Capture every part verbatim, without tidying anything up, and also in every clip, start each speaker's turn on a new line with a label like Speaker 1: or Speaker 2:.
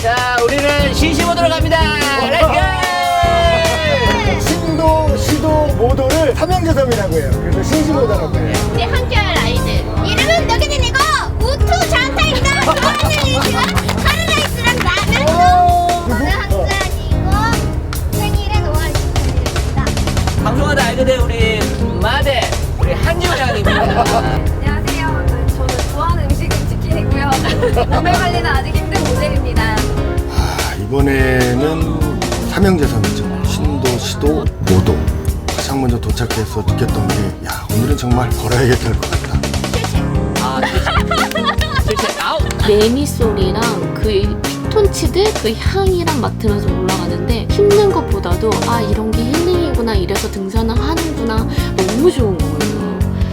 Speaker 1: 자, 우리는 신시모드로 갑니다. 렛츠고!
Speaker 2: 신도, 시도, 모도를 삼형제섬이라고 해요. 그래서 신시모다라고 해요.
Speaker 3: 우리 함께할 아이들 이름은 너게들이고 우투 잔타입니다. 좋아하는 이유는 파라다이스랑 라면 저는 한잔이고 생일엔 오월 이십팔일입니다.
Speaker 1: 방송하다 알게 된 우리 마대, 우리 한지우양입니다.
Speaker 4: 안녕하세요. 저는 좋아하는 음식은 치킨이고요. 몸매 관리는 아직 힘든 모델입니다.
Speaker 2: 아, 이번에는 삼형제섬이죠. 신도, 시도, 모도. 가장 먼저 도착해서 느꼈던 게, 야, 오늘은 정말 걸어야겠다 할 것 같다.
Speaker 1: 아, 실체. 실체. 아웃.
Speaker 5: 매미 소리랑 그 피톤치드 그 향이랑 맡으면서 올라가는데 힘든 것보다도 아 이런 게 힐링이구나 이래서 등산을 하는구나 너무 좋은 거예요.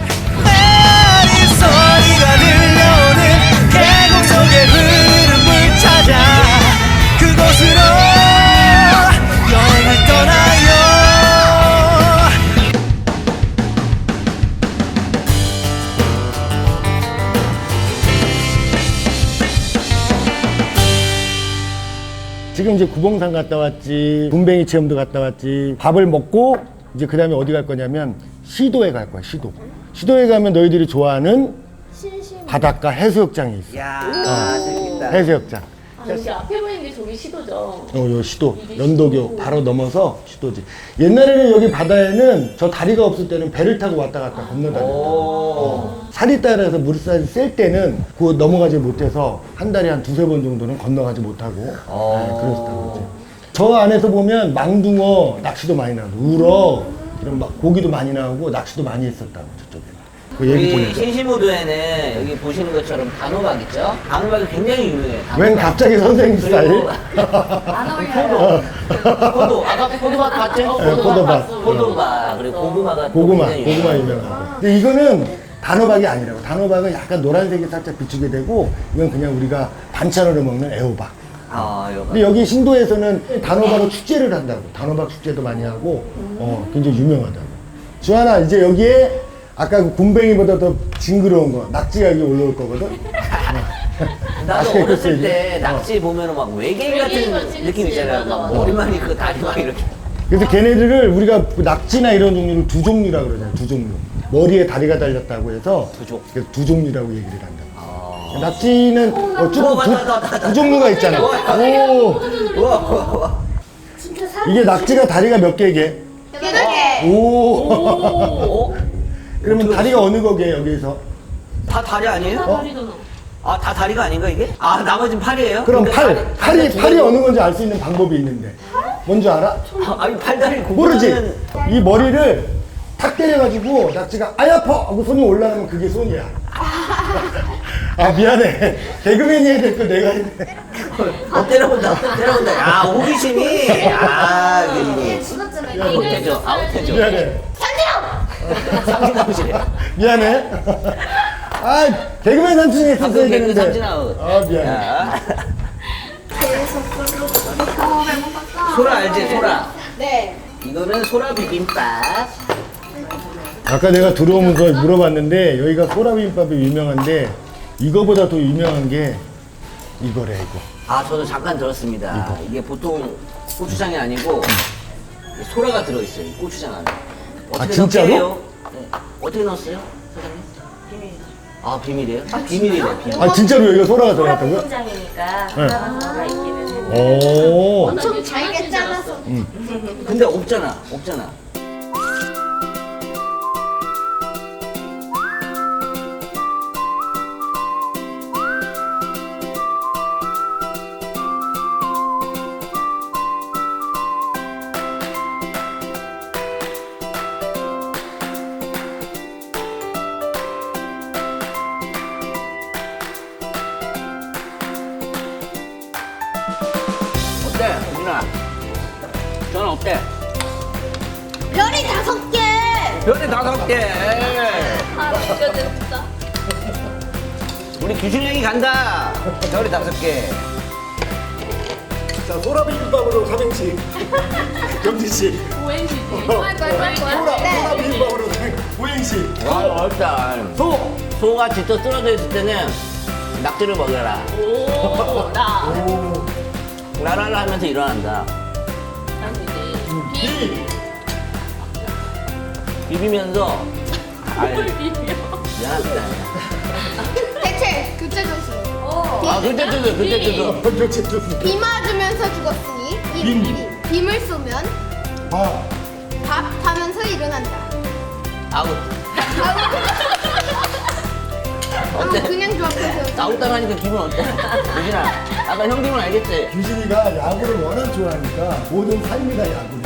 Speaker 6: 소리가 들려오는 계곡 속의 흐름을 찾아 그곳으로 여행을 떠나요.
Speaker 2: 지금 이제 구봉산 갔다 왔지, 군뱅이 체험도 갔다 왔지, 밥을 먹고 이제 그 다음에 어디 갈 거냐면 시도에 갈 거야, 시도. 시도에 가면 너희들이 좋아하는 바닷가 해수욕장이 있어.
Speaker 1: 야, 재밌다.
Speaker 2: 해수욕장.
Speaker 5: 아, 여기 앞에 보이는 게 저기 시도죠.
Speaker 2: 어, 요 시도. 연도교 바로 넘어서 시도지. 옛날에는 여기 바다에는 저 다리가 없을 때는 배를 타고 왔다 갔다 건너다녔다. 어. 살이 따라서 물살이 셀 때는 그 넘어가지 못해서 한 달에 한 두세 번 정도는 건너가지 못하고 네, 그랬었다고 그러지. 저 안에서 보면 망둥어 낚시도 많이 나오고 우럭 이런 막 고기도 많이 나오고 낚시도 많이 했었다고 저쪽에. 그 얘기
Speaker 1: 우리
Speaker 2: 보니까.
Speaker 1: 신시모드에는 여기 보시는 것처럼 단호박 있죠? 단호박이 굉장히 유명해요. 단호박.
Speaker 2: 웬 갑자기 선생님 스타일?
Speaker 1: 그리고
Speaker 4: 안 어울려요.
Speaker 1: 포도. 아까 포도밭 봤죠?
Speaker 2: 네, 포도밭.
Speaker 1: 포도밭. 그리고 고구마가 또
Speaker 2: 고구마,
Speaker 1: 굉장히
Speaker 2: 고구마
Speaker 1: 유명해요.
Speaker 2: 유명하고. 근데 이거는 단호박이 아니라고. 단호박은 약간 노란색이 살짝 비추게 되고, 이건 그냥 우리가 반찬으로 먹는 애호박.
Speaker 1: 아, 이거.
Speaker 2: 근데 여기 신도에서는 단호박을 축제를 한다고. 단호박 축제도 많이 하고, 어, 굉장히 유명하다고. 주하나, 이제 여기에 아까 그 군뱅이보다 더 징그러운 거, 낙지가 여기 올라올 거거든?
Speaker 1: 나도
Speaker 2: 맛있게
Speaker 1: 어렸을
Speaker 2: 익혔어야지.
Speaker 1: 때 낙지 보면은 막 외계인 같은
Speaker 5: 같이
Speaker 1: 느낌
Speaker 5: 그치,
Speaker 1: 있잖아요.
Speaker 5: 맞아,
Speaker 1: 막
Speaker 5: 맞아.
Speaker 1: 머리만 그 다리 막 이렇게.
Speaker 2: 그래서 걔네들을 우리가 그 낙지나 이런 종류를 두 종류라고 그러잖아요. 두 종류. 머리에 다리가 달렸다고 해서
Speaker 1: 두 종.
Speaker 2: 그래서 두 종류라고 얘기를 한다.
Speaker 1: 아.
Speaker 2: 낙지는 어, 쭉
Speaker 1: 오,
Speaker 2: 두,
Speaker 1: 맞다, 맞다, 맞다.
Speaker 2: 두 종류가 있잖아. 오,
Speaker 1: 우와, 우와, 우와.
Speaker 2: 이게 낙지가 다리가 몇 개게?
Speaker 3: 여덟 개.
Speaker 2: 오.
Speaker 1: 어?
Speaker 2: 그러면 다리가 어느 거게 여기서?
Speaker 1: 다 다리 아니에요?
Speaker 5: 다리잖아.
Speaker 1: 아, 다 다리가 아닌가 이게? 아, 나머지는 팔이에요?
Speaker 2: 그럼
Speaker 1: 그러니까
Speaker 2: 팔,
Speaker 1: 다리-
Speaker 2: 팔이
Speaker 1: 다리가
Speaker 2: 팔이
Speaker 1: 두
Speaker 2: 어느 건지 알 수 있는 방법이 있는데. 뭔지 알아?
Speaker 1: 아, 아니 팔다리
Speaker 2: 모르지.
Speaker 1: 구분하면
Speaker 2: 이 머리를 탁 때려가지고 낙지가 아이 아파 하고 손이 올라가면 그게 손이야. 아 미안해. 개그맨이 해야 될 거 내가 했네.
Speaker 1: 어, 때려본다, 때려본다. 야, 호기심이. 아, 이게
Speaker 3: 집어쯤에
Speaker 1: 아웃되죠, 아웃되죠.
Speaker 2: 미안해.
Speaker 1: 삼진아웃이래.
Speaker 2: 미안해. 아 개그맨 삼촌이 했었어야
Speaker 1: 방금 개그
Speaker 2: 되는데.
Speaker 1: 삼진아웃.
Speaker 2: 아 미안해.
Speaker 1: 야. 소라 알지, 소라?
Speaker 3: 네.
Speaker 1: 이거는 소라 비빔밥.
Speaker 2: 아까 내가 들어오면서 물어봤는데 여기가 소라비빔밥이 유명한데 이거보다 더 유명한 게 이거래 이거.
Speaker 1: 아, 저도 잠깐 들었습니다. 이게 보통 고추장이 아니고 소라가 들어있어요, 이 고추장 안에. 어떻게
Speaker 2: 아, 진짜로?
Speaker 1: 넣게요? 네. 어떻게 넣었어요, 사장님? 비밀. 아, 비밀이에요? 아, 비밀이래, 비밀.
Speaker 2: 아 진짜로 여기가 소라가 들어갔다고요?
Speaker 4: 소라비빔장이니까
Speaker 2: 네.
Speaker 4: 소라가 있기는 했는데
Speaker 2: 오.
Speaker 3: 엄청 잘게 잘라서.
Speaker 1: 근데 없잖아, 없잖아. 어때, 누나? 저는 어때?
Speaker 3: 별이 다섯 개.
Speaker 1: 별이 다섯 개.
Speaker 5: 아 진짜 진짜.
Speaker 1: 우리 규준형이 간다. 별이 다섯 개.
Speaker 2: 자 소라비빔밥으로 삼행시. 경진씨.
Speaker 5: 오행시지.
Speaker 3: 할 거야, 할 거야. 네.
Speaker 2: 소라비빔밥으로 오행시.
Speaker 1: 와, 어렵다. 소! 소가 진짜 쓰러져 있을 때는 낙지를 먹여라.
Speaker 5: 오 나.
Speaker 2: 오.
Speaker 1: 라라라 하면서 일어난다.
Speaker 5: 나는 이제 비.
Speaker 1: 비비면서. 아유,
Speaker 5: 비벼.
Speaker 1: 미안합니다.
Speaker 3: 대체 교체 조심.
Speaker 1: 아, 그때 뜨거, 그때 뜨거.
Speaker 2: 교체 좀.
Speaker 3: 비 맞으면서 죽었으니 빔, 빔. 빔을 쏘면
Speaker 2: 봐.
Speaker 3: 밥 하면서 일어난다.
Speaker 1: 아웃.
Speaker 3: 아,
Speaker 1: 어때?
Speaker 3: 그냥 좋았어요.
Speaker 1: 아웃당하니까 기분 어때? 유진아, 아까 형 기분 알겠지?
Speaker 2: 규진이가 야구를 워낙 좋아하니까 모든 삶이 다 야구네.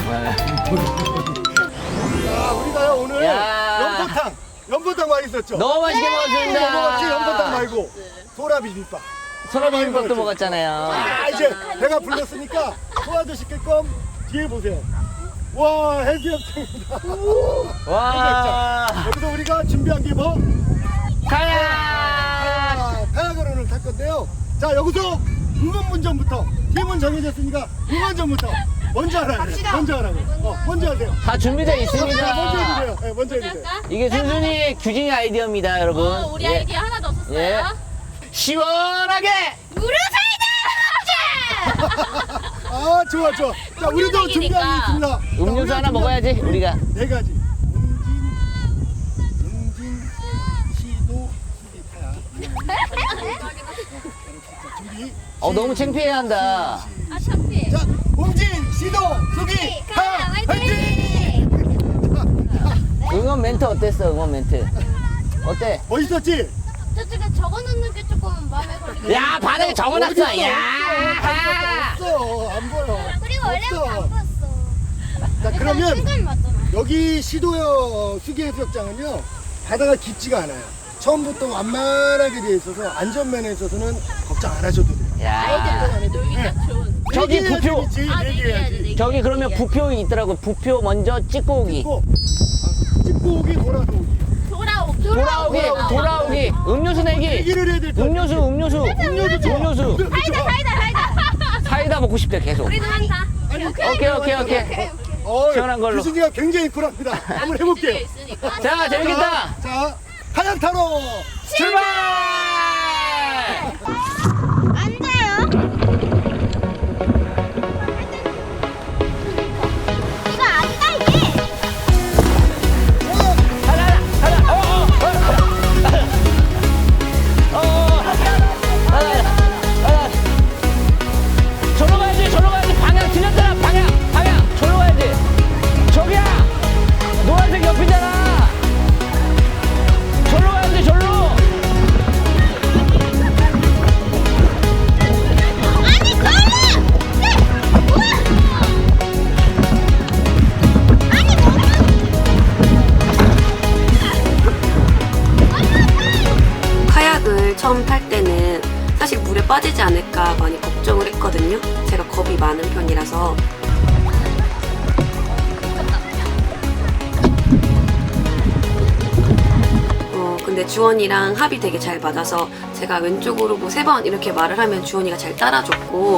Speaker 1: 네.
Speaker 2: 야, 우리가요 오늘
Speaker 1: 야.
Speaker 2: 연포탕, 연포탕 많이 있었죠.
Speaker 1: 너무 맛있게
Speaker 2: 이거 먹었지 연포탕
Speaker 1: 먹었습니다.
Speaker 2: 말고 소라 비빔밥.
Speaker 1: 소라 비빔밥도 먹었잖아요.
Speaker 2: 아 이제 배가 불렀으니까 소화도 시킬 겸 뒤에 보세요. 와 해수욕장입니다.
Speaker 1: 와,
Speaker 2: 여기서 우리가 준비한 게 뭐?
Speaker 1: 가야!
Speaker 2: 아, 카야그론을 탈 건데요. 자 여기서 응원문전부터 팀은 정해졌으니까 응원전부터 먼저 하라고 해요. 먼저 하라고. 어, 먼저 하세요.
Speaker 1: 다 준비되어
Speaker 2: 먼저
Speaker 1: 있습니다.
Speaker 2: 해주세요. 네, 먼저 해주세요.
Speaker 1: 이게 순순히 규진이 아이디어입니다, 여러분.
Speaker 5: 어, 우리
Speaker 1: 예.
Speaker 5: 아이디어 하나 더 썼어요.
Speaker 1: 예. 시원하게!
Speaker 2: 아 좋아 좋아. 자 우리도 준비한 게 있습니다. 자,
Speaker 1: 음료수
Speaker 2: 우리가
Speaker 1: 하나
Speaker 2: 준비한
Speaker 1: 먹어야지, 우리가.
Speaker 2: 네 가지. 웅진, 웅진, 시도, 수기, 타야. 자, 준비.
Speaker 1: 어, 너무 창피해한다.
Speaker 5: 아, 창피해.
Speaker 2: 자, 웅진, 시도, 수기, 타야, 화이팅!
Speaker 1: 응원 멘트 어땠어, 응원 멘트? 어때?
Speaker 2: 멋있었지?
Speaker 3: 저쪽에 적어놓는 게 조금 마음에 걸리네.
Speaker 1: 야, 반응이 적어놨어,
Speaker 2: 어딨어?
Speaker 1: 야!
Speaker 2: 없어, 안 보여.
Speaker 3: 그리고 원래부터
Speaker 2: 없어.
Speaker 3: 안 보였어.
Speaker 2: 자, 그러면
Speaker 3: 순간 맞잖아.
Speaker 2: 여기 시도요 수기 해수욕장은요 바다가 깊지가 않아요. 처음부터 완만하게 되어 있어서 안전면에 있어서는 걱정 안 하셔도 돼요.
Speaker 1: 야.
Speaker 5: 놀기가 좋은.
Speaker 1: 저기
Speaker 2: 얘기해야지
Speaker 1: 부표.
Speaker 2: 재밌지,
Speaker 5: 아,
Speaker 2: 얘기해야지.
Speaker 5: 얘기해야지.
Speaker 1: 저기 그러면 부표 있더라고. 부표 먼저 찍고 오기.
Speaker 2: 찍고, 아, 찍고 오기, 돌아서 오기.
Speaker 5: 돌아오기.
Speaker 1: 돌아오기, 돌아오기. 음료수 내기.
Speaker 2: 얘기를 해야 될 거.
Speaker 1: 음료수, 음료수.
Speaker 2: 음료수 좋아.
Speaker 1: 음료수.
Speaker 2: 사이다, 사이다.
Speaker 1: 사이다 먹고 싶대, 계속.
Speaker 5: 우리도 한다.
Speaker 2: 아니,
Speaker 1: 오케이, 오케이, 오케이.
Speaker 2: 어,
Speaker 1: 시원한 걸로.
Speaker 2: 규진이가 굉장히 쿨합니다. 한번 해볼게요.
Speaker 5: 있으니까.
Speaker 1: 자, 재밌겠다.
Speaker 2: 자, 자, 하얀 타로.
Speaker 1: 출발!
Speaker 3: 앉아요. 이거 앉아 이게.
Speaker 1: 하나, 하나, 어, 어, 어, 어, 어, 하나, 하나. 저로 가야지, 저로 가야지. 방향 틀렸잖아, 방향, 방향. 저로 가야지. 저기야, 노란색 옆이잖아. 저로 가야지, 저로.
Speaker 3: 아니 그러면. 네. 뭐야? 아니 뭐?
Speaker 7: 카약을 처음 탈 때는 사실 물에 빠지지 않을까 많이 걱정을 했거든요. 제가 겁이 많은 편이라서. 어, 근데 주원이랑 합이 되게 잘 맞아서 제가 왼쪽으로 뭐 세 번 이렇게 말을 하면 주원이가 잘 따라줬고,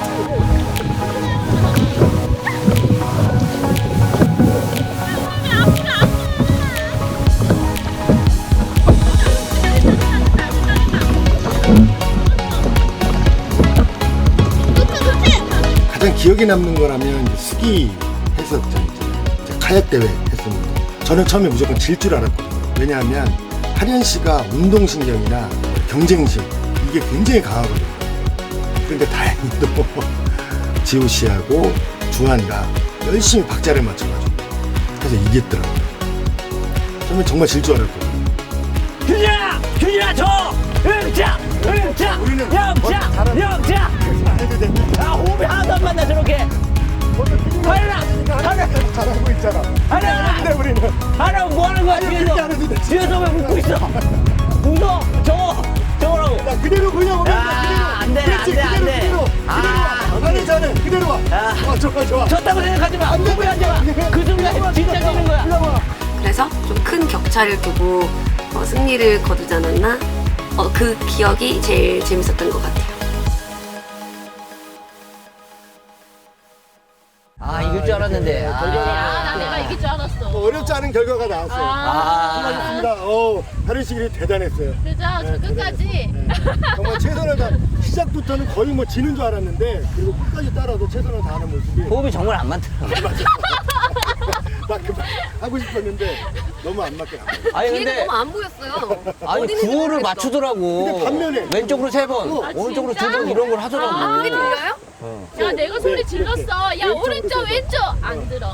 Speaker 2: 가장 기억에 남는 거라면 이제 스키 해수욕장 있잖아요. 이제 카약 대회 했었는데 저는 처음에 무조건 질 줄 알았거든요. 왜냐하면 하련 씨가 운동신경이나 경쟁심 이게 굉장히 강하거든요. 그런데 다행히도 지호 씨하고 주한이가 열심히 박자를 맞춰가지고 그래서 이겼더라고요. 처음에 정말 질 줄 알았거든요.
Speaker 1: 규진아! 규진아, 저! 응자! 응자!
Speaker 2: 우리는
Speaker 1: 영자! 영자!
Speaker 2: 해도 됩니다.
Speaker 1: 아, 호흡이 하나도 안 맞나, 저렇게. 하나! 하나!
Speaker 2: 잘하고 있잖아.
Speaker 1: 하나!
Speaker 2: 근데 우리는
Speaker 1: 하나, 뭐 하는 거야,
Speaker 2: 그렇게
Speaker 1: 뒤에서?
Speaker 2: 안 해도 돼.
Speaker 1: 뒤에서 왜 웃고 있어? 웃어! 저거! 저거라고!
Speaker 2: 야, 그대로 그냥 오면
Speaker 1: 야,
Speaker 2: 돼. 그대로.
Speaker 1: 안 돼,
Speaker 2: 그렇지,
Speaker 1: 안 돼, 안
Speaker 2: 그대로,
Speaker 1: 돼.
Speaker 2: 그대로.
Speaker 1: 아,
Speaker 2: 그대로 와. 잘해, 잘해. 그대로 와.
Speaker 1: 야.
Speaker 2: 어, 좋아, 좋아.
Speaker 1: 졌다고 생각하지 마!
Speaker 2: 안 돼,
Speaker 1: 후회하지 마!
Speaker 2: 안 돼.
Speaker 1: 그 순간 진짜 되는 거야!
Speaker 2: 일로 와.
Speaker 7: 그래서 좀 큰 격차를 두고 어, 승리를 거두지 않았나? 어, 그 기억이 제일 재밌었던 것 같아요.
Speaker 1: 아, 이길 줄 알았는데. 아,
Speaker 5: 아, 나 내가 이길 줄 알았어.
Speaker 2: 뭐 어렵지 않은 결과가 나왔어요.
Speaker 1: 아.
Speaker 2: 수고하셨습니다. 어, 다루시기 대단했어요.
Speaker 5: 그죠? 저 끝까지.
Speaker 2: 네. 정말 최선을 다 시작부터는 거의 뭐 지는 줄 알았는데 그리고 끝까지 따라도 최선을 다하는 모습이
Speaker 1: 호흡이 정말 안 맞더라고요.
Speaker 2: 맞아. 나 그만 하고 싶었는데 너무 안 맞게 나와요.
Speaker 1: 아니,
Speaker 7: 뒤에가
Speaker 1: 근데.
Speaker 7: 너무 안 보였어요.
Speaker 1: 아니,
Speaker 7: 어디 있는지
Speaker 1: 구호를
Speaker 7: 모르겠어.
Speaker 1: 맞추더라고.
Speaker 2: 근데 반면에.
Speaker 1: 왼쪽으로 세 번,
Speaker 2: 어.
Speaker 1: 오른쪽으로
Speaker 5: 진짜?
Speaker 1: 두 번 이런 걸 하더라고.
Speaker 5: 아,
Speaker 7: 그게 들려요?
Speaker 5: 야, 내가 소리
Speaker 2: 네,
Speaker 5: 질렀어.
Speaker 2: 이렇게.
Speaker 5: 야,
Speaker 2: 왼쪽으로
Speaker 5: 오른쪽,
Speaker 2: 세 번.
Speaker 5: 왼쪽. 안 들어.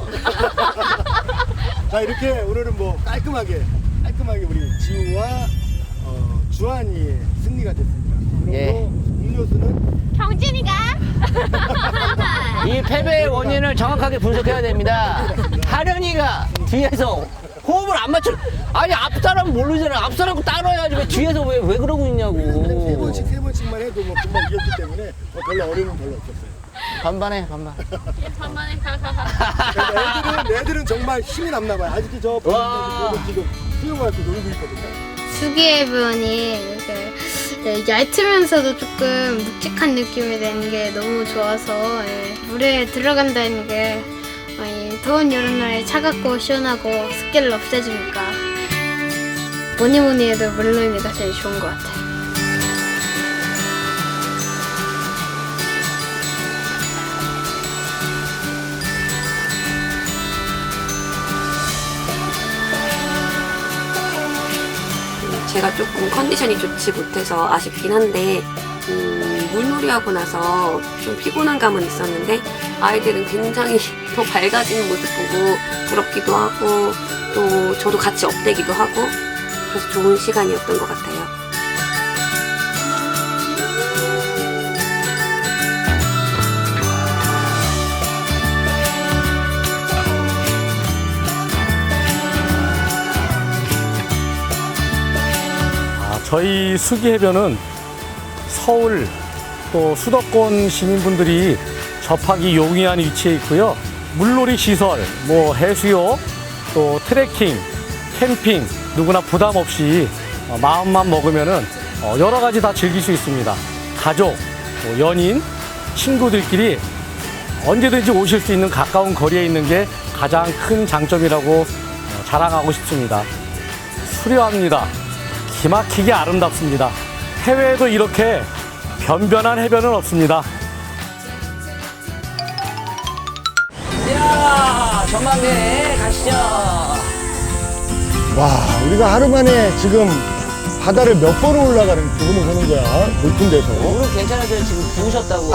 Speaker 2: 자 이렇게 오늘은 뭐 깔끔하게 깔끔하게 우리 지우와 어, 주한이의 승리가 됐습니다. 그리고
Speaker 1: 예.
Speaker 2: 음료수는
Speaker 5: 경진이가.
Speaker 1: 이 패배의 원인을 정확하게 분석해야 됩니다. 하련이가 뒤에서 호흡을 안 맞춰. 아니, 앞 사람 모르잖아. 앞 사람 따라야지. 왜 뒤에서 왜, 왜 그러고
Speaker 2: 세
Speaker 1: 있냐고.
Speaker 2: 번씩 세 번씩만 해도 뭐 금방 이겼기 때문에 뭐 별로 어려움은 별로 없었어요.
Speaker 1: 반반해, 반반.
Speaker 5: 반만에 가, 가, 가.
Speaker 2: 그러니까 애들은 애들은 정말 힘이 남나 봐요. 아직도 저
Speaker 1: 와.
Speaker 2: 보시면 지금 수영하고 놀고 있거든요.
Speaker 3: 수기해변이 이렇게 예, 얇으면서도 조금 묵직한 느낌이 되는 게 너무 좋아서 예, 물에 들어간다는 게 어, 이 더운 여름날에 차갑고 시원하고 습기를 없애주니까 뭐니 뭐니 해도 물놀이가 제일 좋은 것 같아요.
Speaker 7: 제가 조금 컨디션이 좋지 못해서 아쉽긴 한데 음, 물놀이하고 나서 좀 피곤한 감은 있었는데 아이들은 굉장히 더 밝아지는 모습 보고 부럽기도 하고 또 저도 같이 업되기도 하고 그래서 좋은 시간이었던 것 같아요.
Speaker 8: 아, 저희 수기해변은 서울 또 수도권 시민분들이 접하기 용이한 위치에 있고요. 물놀이 시설, 뭐 해수욕, 또 트레킹, 캠핑 누구나 부담 없이 어, 마음만 먹으면은 어, 여러 가지 다 즐길 수 있습니다. 가족, 뭐 연인, 친구들끼리 언제든지 오실 수 있는 가까운 거리에 있는 게 가장 큰 장점이라고 어, 자랑하고 싶습니다. 수려합니다. 기막히게 아름답습니다. 해외에도 이렇게 변변한 해변은 없습니다.
Speaker 1: 야, 전망대 가시죠.
Speaker 2: 와 우리가 하루 만에 지금 바다를 몇 번을 올라가는 부분을 보는 거야. 높은 데서.
Speaker 1: 무릎 괜찮으세요? 지금 부으셨다고.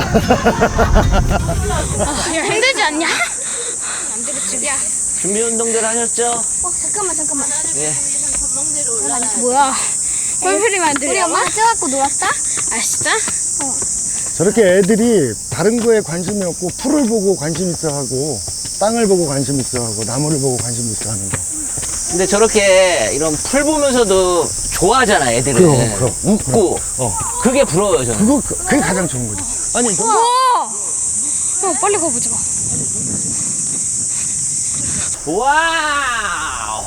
Speaker 3: 힘들지 않냐? 안 되겠지. 야,
Speaker 1: 준비 운동들 하셨죠?
Speaker 3: 어, 잠깐만 잠깐만.
Speaker 1: 예.
Speaker 3: 뭐야? 뻘소리만 들려. 우리 엄마 쪄갖고 놀았다? 아 진짜?
Speaker 2: 저렇게 애들이 다른 거에 관심이 없고 풀을 보고 관심 있어 하고 땅을 보고 관심 있어 하고 나무를 보고 관심 있어 하는 거.
Speaker 1: 근데 저렇게 이런 풀 보면서도 좋아하잖아, 애들은.
Speaker 2: 그럼, 그럼.
Speaker 1: 웃고.
Speaker 2: 어.
Speaker 1: 그게 부러워요, 저는.
Speaker 2: 그거 그- 그게 가장 좋은 거지.
Speaker 1: 아니, 좀.
Speaker 3: 어, 빨리 가보자.
Speaker 1: 와우!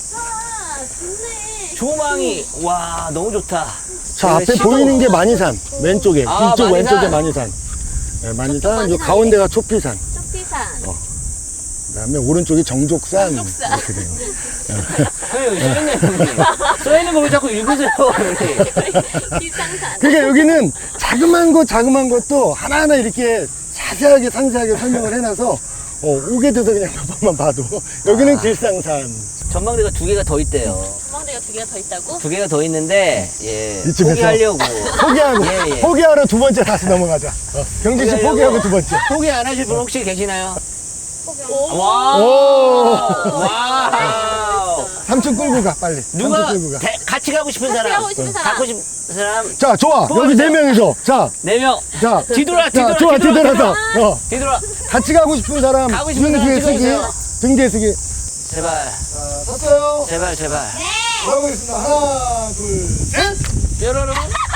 Speaker 1: 조망이, 와, 너무 좋다.
Speaker 2: 자 앞에
Speaker 1: 시도-
Speaker 2: 보이는 게 만이산 왼쪽에
Speaker 1: 아,
Speaker 2: 뒤쪽
Speaker 1: 만이산.
Speaker 2: 왼쪽에 만이산. 네, 만이산 요 가운데가 초피산.
Speaker 5: 쇼피산.
Speaker 2: 그다음에 오른쪽이 정족산. 이렇게 돼요.
Speaker 1: 왜 여기 써있네, 여기. 써있는 거 왜 자꾸 읽으세요, 여기.
Speaker 5: 비상산.
Speaker 2: 그러니까 여기는 자그만 것 자그만 것도 하나하나 이렇게 자세하게 상세하게 설명을 해놔서 어, 오게 돼서 그냥 몇 번만 봐도 여기는
Speaker 1: 아.
Speaker 2: 길상산.
Speaker 1: 전망대가 두 개가 더 있대요.
Speaker 5: 전망대가 두 개가 더 있다고?
Speaker 1: 두 개가 더 있는데, 예.
Speaker 2: 이쯤에서.
Speaker 1: 포기하려고.
Speaker 2: 포기하고
Speaker 1: 예, 예.
Speaker 2: 포기하러 두 번째 다시 넘어가자. 어, 경진 씨 포기하고 두 번째.
Speaker 1: 포기 안 하실 분 혹시 계시나요?
Speaker 5: 오.
Speaker 1: 와!
Speaker 2: 오.
Speaker 1: 와우!
Speaker 2: 삼촌 끌고 가 빨리.
Speaker 1: 누가
Speaker 2: 삼촌 끌고 가.
Speaker 1: 대- 같이 가고 싶은 사람?
Speaker 5: 가고 싶은 사람.
Speaker 1: 갖고 싶은 사람?
Speaker 2: 자 좋아
Speaker 1: 뽑아주세요.
Speaker 2: 여기 네 명이서 자
Speaker 1: 네 명.
Speaker 2: 자.
Speaker 1: 뒤돌아,
Speaker 2: 자,
Speaker 1: 뒤돌아,
Speaker 2: 좋아
Speaker 1: 뒤돌아,
Speaker 2: 뒤돌아서 어,
Speaker 1: 뒤돌아.
Speaker 2: 같이 가고 싶은 사람
Speaker 1: 가고 싶은 사람
Speaker 2: 등뒤에 쓰기
Speaker 1: 찍어주세요.
Speaker 2: 등뒤에 쓰기.
Speaker 1: 제발,
Speaker 2: 자 섰어요.
Speaker 1: 제발, 제발.
Speaker 2: 돌아보겠습니다. 하나 둘셋.
Speaker 1: 뾰로롱.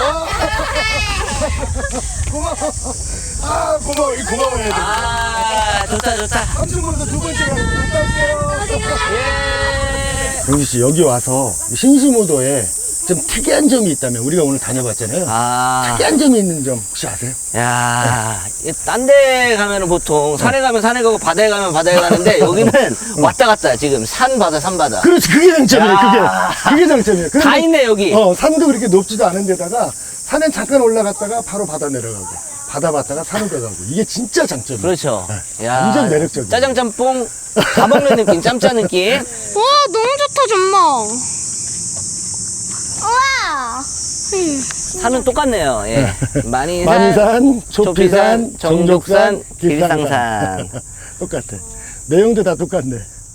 Speaker 2: 고마워. 아 고마워 이 고마워해야 돼.
Speaker 1: 아, 좋다, 좋다.
Speaker 2: 삼촌보다 두 번째 가는 거 갔다 올게요.
Speaker 1: 예.
Speaker 2: 경지 씨 여기 와서 신시모도에 좀 특이한 점이 있다면 우리가 오늘 다녀봤잖아요.
Speaker 1: 아,
Speaker 2: 특이한 점이 있는 점 혹시 아세요?
Speaker 1: 야, 딴 데 가면은 보통 산에 가면 산에 가고 바다에 가면 바다에 가는데 여기는 왔다 갔다 지금 산 바다 산 바다.
Speaker 2: 그렇지, 그게 장점이에요.
Speaker 1: 야.
Speaker 2: 그게 그게 장점이에요.
Speaker 1: 다
Speaker 2: 그래서
Speaker 1: 있네 여기.
Speaker 2: 어, 산도 그렇게 높지도 않은 데다가 산에 잠깐 올라갔다가 바로 바다 내려가고 바다 봤다가 산으로 가고 이게 진짜 장점이에요.
Speaker 1: 그렇죠.
Speaker 2: 네,
Speaker 1: 야,
Speaker 2: 완전 매력적이에요.
Speaker 1: 짜장 짬뽕 다 먹는 느낌, 짬짜 느낌.
Speaker 3: 와 너무 좋다 전망. 우와.
Speaker 1: 산은 똑같네요. 예. 만이산,
Speaker 2: 만이산, 초피산,
Speaker 1: 초피산, 정족산,
Speaker 2: 정족산, 길상산.
Speaker 1: 길상산.
Speaker 2: 똑같아. 내용도 다 똑같네.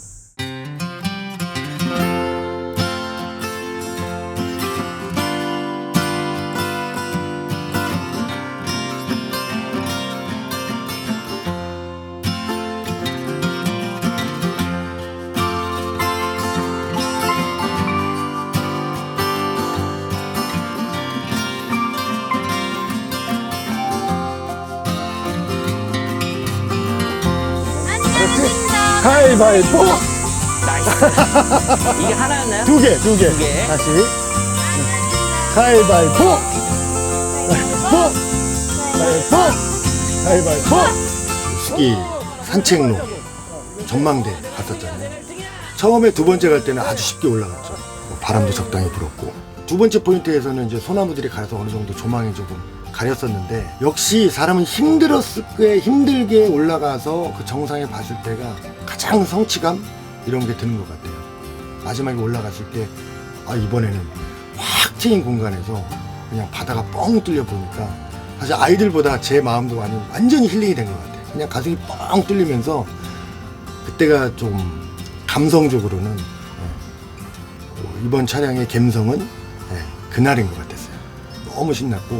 Speaker 2: 가위바위보!
Speaker 1: 이게 하나였나요?
Speaker 2: 두 개, 두 개.
Speaker 1: 두 개.
Speaker 2: 다시. 가위바위보! 가위바위보! 가위바위보! 가위바위보! 스키 산책로 전망대 갔었잖아요. 처음에 두 번째 갈 때는 아주 쉽게 올라갔죠. 뭐 바람도 적당히 불었고. 두 번째 포인트에서는 이제 소나무들이 가려서 어느 정도 조망이 조금 가렸었는데 역시 사람은 힘들었을 때 힘들게 올라가서 그 정상에 봤을 때가 가장 성취감 이런 게 드는 것 같아요. 마지막에 올라갔을 때 아 이번에는 확 트인 공간에서 그냥 바다가 뻥 뚫려 보니까 사실 아이들보다 제 마음도 많이 완전히 힐링이 된 것 같아요. 그냥 가슴이 뻥 뚫리면서 그때가 좀 감성적으로는 어, 이번 차량의 감성은 네, 그날인 것 같았어요. 너무 신났고.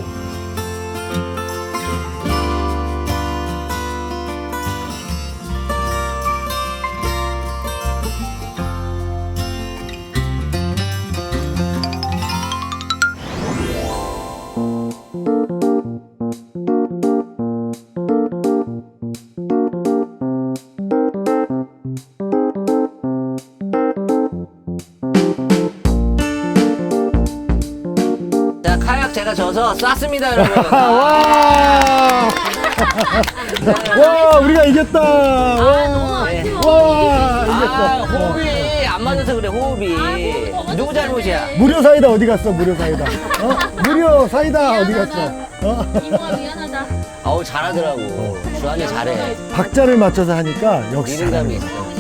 Speaker 1: 자, 카약 제가 져서 쐈습니다, 여러분.
Speaker 2: 와! 와, 우리가 이겼다! 와!
Speaker 1: 네.
Speaker 2: 와!
Speaker 1: 아,
Speaker 2: 이겼다!
Speaker 1: 호흡이 안 맞아서 그래, 호흡이. 누구 잘못이야?
Speaker 2: 무료 사이다 어디 갔어, 무료 사이다? 어? 무료 사이다 어디 갔어? 어?
Speaker 1: 어우, 잘하더라고. 주한이 잘해.
Speaker 2: 박자를 맞춰서 하니까 역시
Speaker 1: 리듬감이
Speaker 2: 잘하네.
Speaker 1: 있어.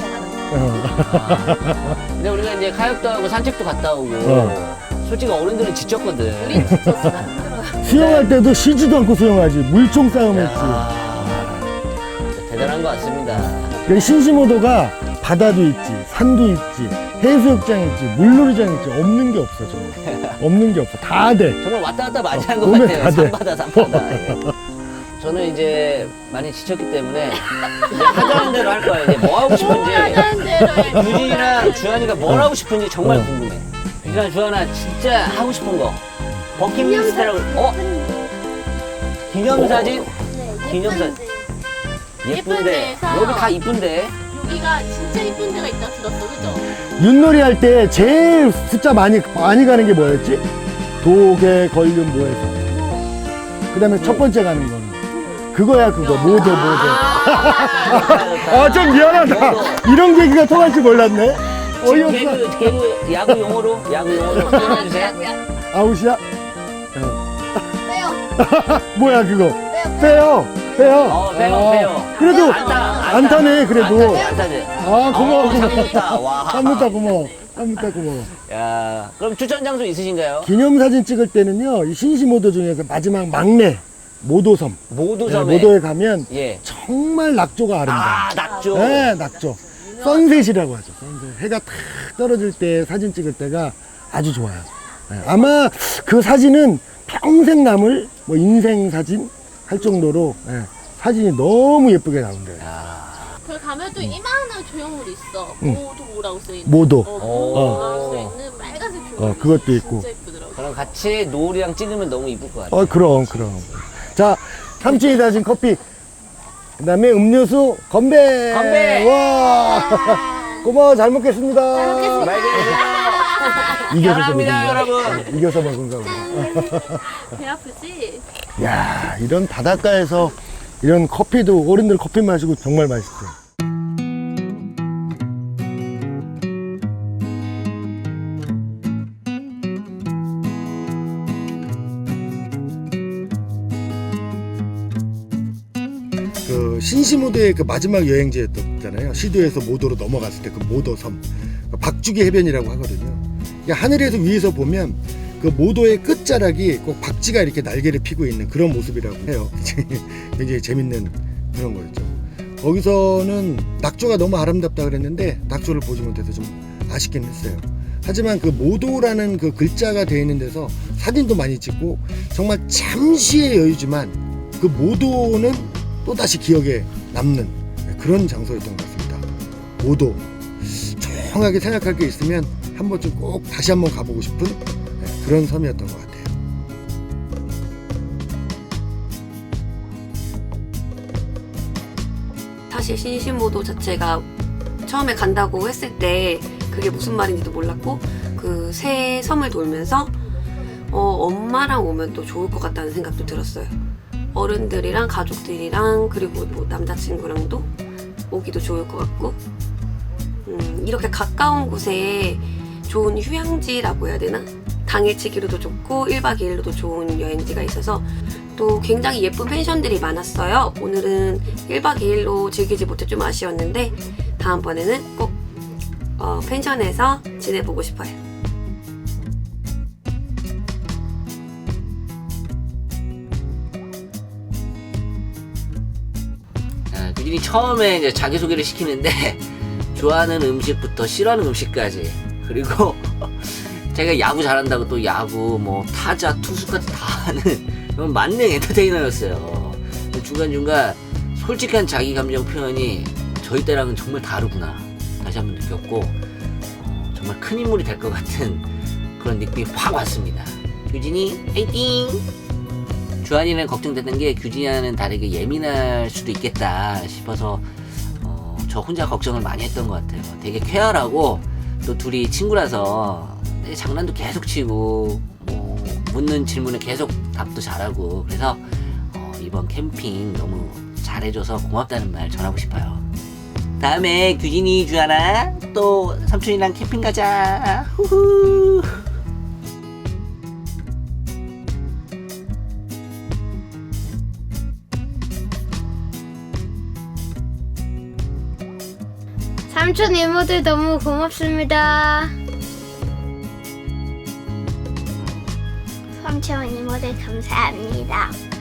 Speaker 2: 어.
Speaker 1: 근데 우리가 이제 카약도 하고 산책도 갔다 오고.
Speaker 2: 어.
Speaker 1: 솔직히 어른들은 지쳤거든.
Speaker 2: 수영할 때도 쉬지도 않고 수영하지. 물총 싸움 했지.
Speaker 1: 아, 대단한 것 같습니다.
Speaker 2: 그 신시모도가 바다도 있지, 산도 있지, 해수욕장 있지, 물놀이장 있지. 없는 게 없어, 정말. 없는 게 없어. 다 돼.
Speaker 1: 정말 왔다 갔다 많이 한 것
Speaker 2: 오늘
Speaker 1: 같아요.
Speaker 2: 다 돼.
Speaker 1: 산바다, 산바다. 예. 저는 이제 많이 지쳤기 때문에 이제 하자는 대로 할 거예요. 이제 뭐 하고 싶은지. 유진이랑 주한이가 뭘 하고 싶은지 정말
Speaker 2: 어.
Speaker 1: 궁금해. 유진아, 주한아, 진짜 하고 싶은 거. 버킷리스트라고. 어? 기념사진? 기념사진. 예쁜데.
Speaker 5: 예쁜 데에서.
Speaker 1: 여기 다 이쁜데.
Speaker 5: 여기가 진짜 이쁜 데가 있다 들었어, 그죠?
Speaker 2: 윷놀이 할 때 제일 숫자 많이, 많이 가는 게 뭐였지? 도개, 걸륜, 모에서. 그 다음에 첫 번째 가는 거는. 그거야, 그거. 모도, 모도. 아, 좀 미안하다. 이런 얘기가 통할 줄 몰랐네.
Speaker 1: 지금
Speaker 2: 어이없어.
Speaker 1: 개그, 개그, 야구 용어로, 야구 용어로 표현해주세요.
Speaker 2: 아웃이야?
Speaker 4: 빼요.
Speaker 2: 뭐야, 그거? 빼요. 빼요.
Speaker 1: 어, 빼요,
Speaker 2: 아,
Speaker 1: 빼요.
Speaker 2: 그래도
Speaker 1: 안타, 안타.
Speaker 2: 안타네, 그래도.
Speaker 1: 안타지, 안타지.
Speaker 2: 아, 고마워,
Speaker 1: 어,
Speaker 2: 고마워.
Speaker 1: 삼루타, 와.
Speaker 2: 삼루타 고마워. 삼루타 고마워.
Speaker 1: 야, 그럼 추천 장소 있으신가요?
Speaker 2: 기념사진 찍을 때는요, 이 신시모도 중에서 마지막 막내, 모도섬.
Speaker 1: 모도섬에.
Speaker 2: 네, 모도에 가면
Speaker 1: 예.
Speaker 2: 정말 낙조가 아름다워.
Speaker 1: 아, 낙조.
Speaker 2: 네, 낙조. 선셋이라고 하죠. 선셋. 해가 탁 떨어질 때 사진 찍을 때가 아주 좋아요. 네, 아마 그 사진은 평생 남을 뭐 인생 사진 할 정도로 네, 사진이 너무 예쁘게 나온대요.
Speaker 5: 거기 가면 또 이만한 조형물이 있어.
Speaker 2: 응.
Speaker 5: 모도 뭐라고 써있는.
Speaker 2: 모도.
Speaker 5: 어,
Speaker 1: 어.
Speaker 5: 모도라고 써있는 빨간색 조형물.
Speaker 2: 어, 그것도 있고.
Speaker 5: 진짜 예쁘더라고.
Speaker 1: 그럼 같이 노을이랑 찍으면 너무 이쁠 것 같아요.
Speaker 2: 어, 그럼, 그럼. 자, 삼촌이 다진 커피. 그 다음에 음료수 건배!
Speaker 1: 건배!
Speaker 2: 와! 고마워, 잘 먹겠습니다.
Speaker 1: 말 그대로
Speaker 2: 이겨서
Speaker 1: 사랑합니다,
Speaker 2: 먹은 거.
Speaker 1: 여러분.
Speaker 2: 이겨서 먹은 거고.
Speaker 5: 배 아프지?
Speaker 2: 야, 이런 바닷가에서 이런 커피도 어른들 커피 마시고 정말 맛있어요. 그 신시모도의 그 마지막 여행지였잖아요. 시도에서 모도로 넘어갔을 때 그 모도섬, 그 박주기 해변이라고 하거든요. 그러니까 하늘에서 위에서 보면 그 모도의 끝자락이 꼭 박쥐가 이렇게 날개를 피고 있는 그런 모습이라고 해요. 굉장히 재밌는 그런 거였죠. 거기서는 낙조가 너무 아름답다 그랬는데 낙조를 보지 못해서 좀 아쉽긴 했어요. 하지만 그 모도라는 그 글자가 되어 있는 데서 사진도 많이 찍고 정말 잠시의 여유지만 그 모도는 또다시 기억에 남는 그런 장소였던 것 같습니다. 모도 조용하게 생각할 게 있으면 한 번쯤 꼭 다시 한번 가보고 싶은 그런 섬이었던 것 같아요.
Speaker 7: 사실 신시모도 자체가 처음에 간다고 했을 때 그게 무슨 말인지도 몰랐고 그 새 섬을 돌면서 어, 엄마랑 오면 또 좋을 것 같다는 생각도 들었어요. 어른들이랑 가족들이랑 그리고 뭐 남자친구랑도 오기도 좋을 것 같고 음, 이렇게 가까운 곳에 좋은 휴양지라고 해야 되나? 당일치기로도 좋고 일박 이일로도 좋은 여행지가 있어서 또 굉장히 예쁜 펜션들이 많았어요. 오늘은 일박 이일로 즐기지 못해 좀 아쉬웠는데 다음번에는 꼭 어, 펜션에서 지내보고 싶어요.
Speaker 1: 아, 규진이 처음에 이제 자기소개를 시키는데 좋아하는 음식부터 싫어하는 음식까지 그리고 제가 야구 잘한다고 또 야구 뭐 타자 투수까지 다 하는 그런 만능 엔터테이너였어요. 중간중간 솔직한 자기 감정 표현이 저희 때랑은 정말 다르구나 다시 한번 느꼈고 어, 정말 큰 인물이 될 것 같은 그런 느낌이 확 왔습니다. 규진이 화이팅! 주한이는 걱정되는 게 규진이와는 다르게 예민할 수도 있겠다 싶어서 어, 저 혼자 걱정을 많이 했던 것 같아요. 되게 쾌활하고 또 둘이 친구라서 장난도 계속 치고 뭐 묻는 질문에 계속 답도 잘하고 그래서 어, 이번 캠핑 너무 잘해줘서 고맙다는 말 전하고 싶어요. 다음에 규진이 주하나 또 삼촌이랑 캠핑 가자. 후후.
Speaker 3: 삼촌 이모들 너무 고맙습니다.
Speaker 9: 삼촌 이모들 감사합니다.